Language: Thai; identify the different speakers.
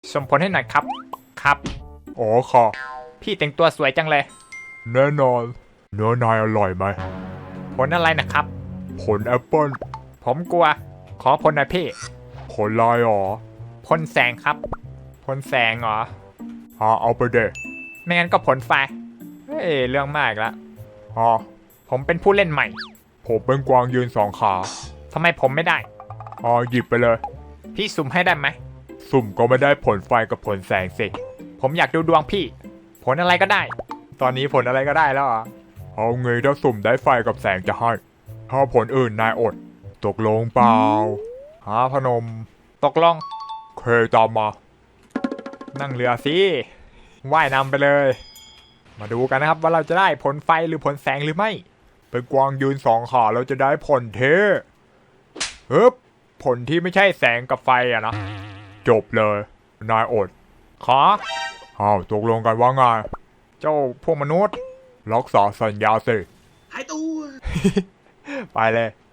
Speaker 1: ส่งผลให้หน่อยครับครับ
Speaker 2: อ๋อค่ะ
Speaker 1: พี่แต่งตัวสวยจังเลย
Speaker 2: แน่นอน เนื้อนายอร่อยไหม
Speaker 1: ผลอะไรนะครับ
Speaker 2: ผลแอปเปิ้ล
Speaker 1: ผมกลัว ขอผลหน่อยพี่
Speaker 2: ผลลายอ๋อ
Speaker 1: พ่นแสงครับพ่นแสงเหรอ
Speaker 2: เอาไปเด็
Speaker 1: ไม่งั้นก็ผลไฟเฮ้ยเรื่องมากละ
Speaker 2: ฮะ
Speaker 1: ผมเป็นผู้เล่นใหม่
Speaker 2: ผมเป็นกวางยืนสองขา
Speaker 1: ทำไมผมไม่ได้
Speaker 2: หยิบไปเลย
Speaker 1: พี่สุ่มให้ได้ไหม
Speaker 2: สุ่มก็ไม่ได้ผลไฟกับผลแสงสิ
Speaker 1: ผมอยากดูดวงพี่ ผลอะไรก็ได้ ตอนนี้ผลอะไรก็ได้แล้วเหรอ
Speaker 2: เอาไงถ้าสุ่มได้ไฟกับแสงจะให้ ถ้าผลอื่นนายอด ตกลงเปล่า พนม
Speaker 1: ตกลง
Speaker 2: เคยตามมา
Speaker 1: นั่งเรือสิว่ายนำไปเลย มาดูกันนะครับว่าเราจะได้ผลไฟหรือผลแสงหรือไม่
Speaker 2: เป็นกวางยืนสองขาเราจะได้ผลเทผลที่ไม่ใช่แสงกับไฟอะนะ จบเลย นายอด
Speaker 1: ขอ
Speaker 2: ตกลงกันว่าไง
Speaker 1: เจ้าพวกมนุษย์
Speaker 2: รักษาสัญญาสิ
Speaker 3: หายตัว
Speaker 1: ไปเลย